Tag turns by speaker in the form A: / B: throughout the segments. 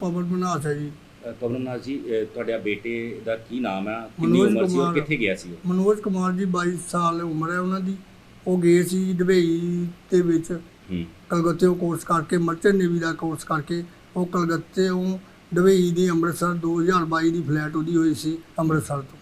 A: ਪਵਨ ਮਨਹਾਸ ਹੈ ਜੀ।
B: ਕਮਲਨਾਥ ਜੀ, ਤੁਹਾਡਾ ਬੇਟੇ ਦਾ ਕੀ ਨਾਮ ਹੈ, ਕਿੰਨੀ ਉਮਰ ਸੀ ਔਰ ਕਿੱਥੇ ਗਿਆ ਸੀ ਉਹ?
A: ਮਨੋਜ ਕੁਮਾਰ ਜੀ 22 ਸਾਲ ਉਮਰ ਹੈ ਉਹਨਾਂ ਦੀ। ਉਹ ਗਏ ਸੀ ਦੁਬਈ ਦੇ ਵਿੱਚ ਕਲਕੱਤੇ ਕੋਰਸ ਕਰਕੇ, ਮਰਚੈਂਟ ਨੇਵੀ ਦਾ ਕੋਰਸ ਕਰਕੇ। ਉਹ ਕਲਕੱਤੇ ਦੁਬਈ ਦੀ ਅੰਮ੍ਰਿਤਸਰ 2022 ਦੀ ਫਲਾਈਟ ਉਹਦੀ ਹੋਈ ਸੀ ਅੰਮ੍ਰਿਤਸਰ ਤੋਂ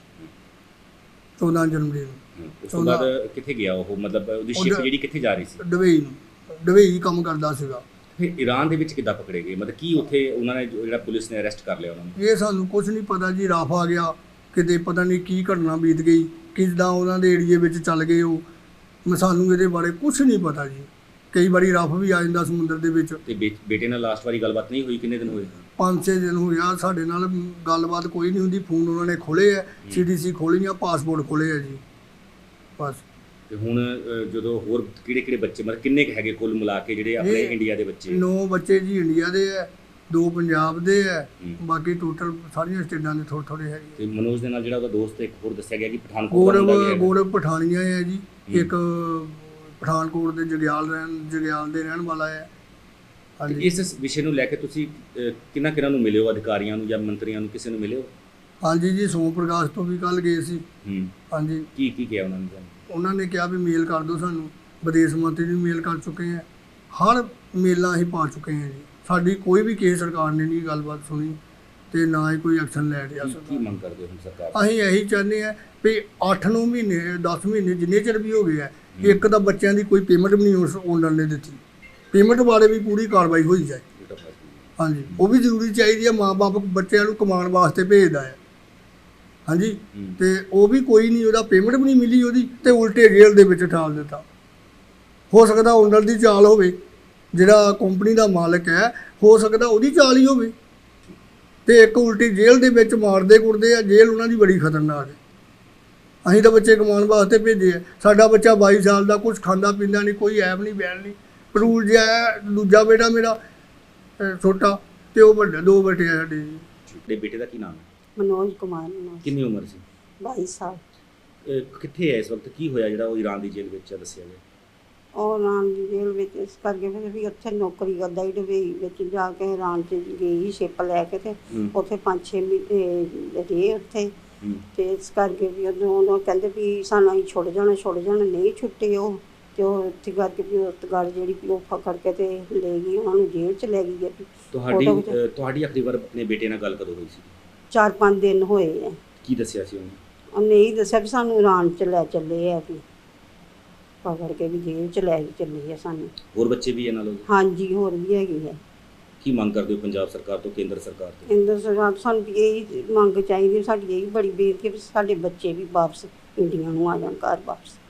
A: 14 ਜਨਵਰੀ ਨੂੰ।
B: ਉਸ ਤੋਂ ਬਾਅਦ ਕਿੱਥੇ ਗਿਆ ਉਹ, ਮਤਲਬ ਉਹਦੀ ਸ਼ਿਪ ਜਿਹੜੀ ਕਿੱਥੇ ਜਾ ਰਹੀ ਸੀ?
A: ਦੁਬਈ ਨੂੰ। ਦੁਬਈ ਕੰਮ ਕਰਦਾ ਸੀਗਾ।
B: ਫਿਰ ਈਰਾਨ ਦੇ ਵਿੱਚ ਕਿੱਦਾਂ ਪਕੜੇ ਗਏ, ਮਤਲਬ ਕੀ ਉੱਥੇ ਉਹਨਾਂ ਨੇ ਜਿਹੜਾ ਪੁਲਿਸ ਨੇ ਅਰੈਸਟ ਕਰ ਲਿਆ ਉਹਨਾਂ ਨੂੰ?
A: ਇਹ ਸਾਨੂੰ ਕੁਝ ਨਹੀਂ ਪਤਾ ਜੀ। ਰਫ ਆ ਗਿਆ ਕਿਤੇ, ਪਤਾ ਨਹੀਂ ਕੀ ਘਟਨਾ ਬੀਤ ਗਈ, ਕਿੱਦਾਂ ਉਹਨਾਂ ਦੇ ਏਰੀਏ ਵਿੱਚ ਚੱਲ ਗਏ ਉਹ। ਸਾਨੂੰ ਇਹਦੇ ਬਾਰੇ ਕੁਝ ਨਹੀਂ ਪਤਾ ਜੀ। ਕਈ ਵਾਰੀ ਰਫ ਵੀ ਆ ਜਾਂਦਾ ਸਮੁੰਦਰ ਦੇ ਵਿੱਚ।
B: ਤੇ ਬੇਟੇ ਨਾਲ ਲਾਸਟ ਵਾਰੀ ਗੱਲਬਾਤ ਨਹੀਂ ਹੋਈ? ਕਿੰਨੇ ਦਿਨ ਹੋਏ?
A: 5-6 ਦਿਨ ਹੋ ਗਿਆ ਸਾਡੇ ਨਾਲ ਗੱਲਬਾਤ ਕੋਈ ਨਹੀਂ ਹੁੰਦੀ। ਫੋਨ ਉਹਨਾਂ ਨੇ ਖੋਲ੍ਹੇ ਹੈ, CDC ਖੋਲ੍ਹੀਆਂ, ਪਾਸਪੋਰਟ ਖੋਲ੍ਹੇ ਹੈ ਜੀ ਬਸ।
B: ਤੇ ਹੁਣ ਜਦੋਂ ਹੋਰ ਕਿਹੜੇ ਬੱਚੇ, ਮਤਲਬ ਕਿੰਨੇ ਕੁ ਹੈਗੇ ਕੁੱਲ ਮਿਲਾ ਕੇ ਜਿਹੜੇ ਆਪਣੇ ਇੰਡੀਆ ਦੇ ਬੱਚੇ?
A: 9 ਬੱਚੇ ਜੀ ਇੰਡੀਆ ਦੇ ਹੈ, 2 ਪੰਜਾਬ ਦੇ ਹੈ, ਬਾਕੀ ਟੋਟਲ ਸਾਰੀਆਂ ਸਟੇਟਾਂ ਦੇ ਥੋੜ੍ਹੇ ਹੈਗੇ।
B: ਤੇ ਮਨੋਜ ਦੇ ਨਾਲ ਜਿਹੜਾ ਉਹਦਾ ਦੋਸਤ ਇੱਕ ਹੋਰ ਦੱਸਿਆ ਗਿਆ ਕਿ ਪਠਾਨਕੋਟ ਦਾ ਵੀ ਹੈ।
A: ਗੌਰਵ ਪਠਾਨੀਆ ਹੈ ਜੀ, ਇੱਕ ਪਠਾਨਕੋਟ ਦੇ ਜਗਿਆਲ ਦੇ ਰਹਿਣ ਵਾਲਾ ਹੈ।
B: ਹਾਂਜੀ। ਇਸ ਵਿਸ਼ੇ ਨੂੰ ਲੈ ਕੇ ਤੁਸੀਂ ਕਿਹਨਾਂ ਨੂੰ ਮਿਲੇ ਹੋ, ਅਧਿਕਾਰੀਆਂ ਨੂੰ ਜਾਂ ਮੰਤਰੀਆਂ ਨੂੰ, ਕਿਸੇ ਨੂੰ ਮਿਲੇ ਹੋ?
A: ਹਾਂਜੀ ਜੀ, ਸੋਮ ਪ੍ਰਕਾਸ਼ ਤੋਂ ਵੀ ਕੱਲ੍ਹ ਗਏ ਸੀ। ਹਾਂਜੀ।
B: ਕੀ ਕਿਹਾ ਉਹਨਾਂ ਨੇ?
A: ਉਹਨਾਂ ਨੇ ਕਿਹਾ ਵੀ ਮੇਲ ਕਰ ਦਿਓ ਸਾਨੂੰ। ਵਿਦੇਸ਼ ਮੰਤਰੀ ਨੂੰ ਮੇਲ ਕਰ ਚੁੱਕੇ ਹਾਂ, ਹਰ ਮੇਲਾਂ ਅਸੀਂ ਪਾ ਚੁੱਕੇ ਹਾਂ ਜੀ। ਸਾਡੀ ਕੋਈ ਵੀ ਕਿਸੇ ਸਰਕਾਰ ਨੇ ਨਹੀਂ ਗੱਲਬਾਤ ਸੁਣੀ ਤੇ ਨਾ ਹੀ ਕੋਈ ਐਕਸ਼ਨ ਲੈ ਰਿਹਾ।
B: ਕੀ ਮੰਗ ਕਰਦੇ ਹੋ ਹੁਣ ਸਰਕਾਰ?
A: ਅਸੀਂ ਇਹੀ ਚਾਹੁੰਦੇ ਹਾਂ ਵੀ 8-9 ਮਹੀਨੇ 10 ਮਹੀਨੇ ਜਿੰਨੇ ਚਿਰ ਵੀ ਹੋ ਗਏ ਆ, ਇੱਕ ਤਾਂ ਬੱਚਿਆਂ ਦੀ ਕੋਈ ਪੇਮੈਂਟ ਵੀ ਨਹੀਂ ਉਸ ਓਨਰ ਨੇ ਦਿੱਤੀ। ਪੇਮੈਂਟ ਬਾਰੇ ਵੀ ਪੂਰੀ ਕਾਰਵਾਈ ਹੋਈ ਜਾਏ। ਹਾਂਜੀ, ਉਹ ਵੀ ਜ਼ਰੂਰੀ ਚਾਹੀਦੀ ਹੈ। ਮਾਂ-ਬਾਪ ਬੱਚਿਆਂ ਨੂੰ ਕਮਾਉਣ ਵਾਸਤੇ ਭੇਜਦਾ ਹੈ। ਹਾਂਜੀ, ਤੇ ਉਹ ਵੀ ਕੋਈ ਨਹੀਂ, ਉਹਦਾ ਪੇਮੈਂਟ ਵੀ ਨਹੀਂ ਮਿਲੀ ਉਹਦੀ, ਤੇ ਉਲਟੇ ਜੇਲ੍ਹ ਦੇ ਵਿੱਚ ਠਾਲ ਦਿੱਤਾ। ਹੋ ਸਕਦਾ ਓਨਰ ਦੀ ਚਾਲ ਹੋਵੇ, ਜਿਹੜਾ ਕੰਪਨੀ ਦਾ ਮਾਲਕ ਹੈ, ਹੋ ਸਕਦਾ ਉਹਦੀ ਚਾਲ ਹੀ ਹੋਵੇ। ਤੇ ਇੱਕ ਉਲਟੀ ਜੇਲ੍ਹ ਦੇ ਵਿੱਚ ਮਾਰਦੇ ਕੁੱਟਦੇ ਆ। ਜੇਲ੍ਹ ਉਹਨਾਂ ਦੀ ਬੜੀ ਖਤਰਨਾਕ ਹੈ। ਅਸੀਂ ਤਾਂ ਬੱਚੇ ਕਮਾਉਣ ਵਾਸਤੇ ਭੇਜੇ ਆ। ਸਾਡਾ ਬੱਚਾ 22 ਸਾਲ ਦਾ, ਕੁਝ ਖਾਂਦਾ ਪੀਂਦਾ ਨਹੀਂ, ਕੋਈ ਐਬ ਨਹੀਂ ਬੈਲ ਨਹੀਂ, ਪਰੂਲ ਜਿਹਾ ਹੈ। ਦੂਜਾ ਬੇਟਾ ਮੇਰਾ ਛੋਟਾ, ਤੇ ਉਹ ਵੱਡੇ 2 ਬੇਟੇ ਆ ਸਾਡੇ ਜੀ।
B: ਤੁਹਾਡੇ ਬੇਟੇ ਦਾ ਕੀ ਨਾਮ ਹੈ?
C: ਮਨੋਜ ਕੁਮਾਰ।
B: ਕਿੰਨੀ ਉਮਰ ਸੀ?
C: 22 ਸਾਲ।
B: ਕਿੱਥੇ ਹੈ ਇਸ ਵਕਤ? ਕੀ ਹੋਇਆ ਜਿਹੜਾ ਉਹ ਈਰਾਨ ਦੀ ਜੇਲ੍ਹ ਵਿੱਚ ਦੱਸਿਆ ਗਿਆ?
C: ਉਹ ਇਰਾਨ ਦੀ ਜੇਲ੍ਹ ਵਿੱਚ ਇਸ ਕਰਕੇ ਫਿਰ ਵੀ ਉੱਥੇ ਨੌਕਰੀ ਕਰਦਾ ਹੀ ਦੁਬਈ ਵਿੱਚ ਜਾ ਕੇ। ਇਰਾਨ 'ਚ ਗਈ ਸ਼ਿਪ ਲੈ ਕੇ, ਤੇ ਉੱਥੇ 5-6 ਮਹੀਨੇ ਰਹੇ ਉੱਥੇ। ਤੇ ਇਸ ਕਰਕੇ ਵੀ ਉਹਨੂੰ ਕਹਿੰਦੇ ਵੀ ਸਾਨੂੰ ਅਸੀਂ ਛੁੱਟ ਜਾਣਾ ਨਹੀਂ ਛੁੱਟੇ ਉਹ। ਤੇ ਉਹ ਉੱਥੇ ਕਰਕੇ ਵੀ ਉਸ ਗੱਲ ਜਿਹੜੀ ਉਹ ਫਕੜ ਕੇ ਤੇ ਲੈ ਗਈ, ਉਹਨਾਂ ਨੂੰ ਜੇਲ੍ਹ 'ਚ ਲੈ ਗਈ।
B: ਤੁਹਾਡੀ ਆਖਰੀ ਵਾਰ ਆਪਣੇ ਬੇਟੇ ਨਾਲ ਗੱਲ ਕਦੋਂ ਹੋਈ ਸੀ?
C: 4-5 ਦਿਨ ਹੋਏ ਆ।
B: ਕੀ ਦੱਸਿਆ ਸੀ ਉਹਨੇ?
C: ਉਹਨੇ ਇਹੀ ਦੱਸਿਆ ਵੀ ਸਾਨੂੰ ਇਰਾਨ 'ਚ ਲੈ ਚੱਲੇ ਆ, ਵੀ ਪਕੜ ਕੇ ਵੀ ਜੇਲ੍ਹ 'ਚ ਲੈ ਕੇ ਚੱਲੇ ਆ ਸਾਨੂੰ।
B: ਹੋਰ ਬੱਚੇ ਵੀ ਇਹਨਾਂ ਨਾਲ?
C: ਹਾਂਜੀ, ਹੋਰ ਵੀ ਹੈਗੀ ਹੈ।
B: ਕੀ ਮੰਗ ਕਰਦੇ ਹੋ ਪੰਜਾਬ ਸਰਕਾਰ ਤੋਂ, ਕੇਂਦਰ ਸਰਕਾਰ ਤੋਂ?
C: ਕੇਂਦਰ ਸਰਕਾਰ ਤੋਂ ਸਾਨੂੰ ਇਹੀ ਮੰਗ ਚਾਹੀਦੀ, ਸਾਡੀ ਇਹੀ ਬੜੀ ਬੇਨਤੀ ਵੀ ਸਾਡੇ ਬੱਚੇ ਵੀ ਵਾਪਸ ਇੰਡੀਆ ਨੂੰ ਆ ਜਾਣ, ਘਰ ਵਾਪਸ।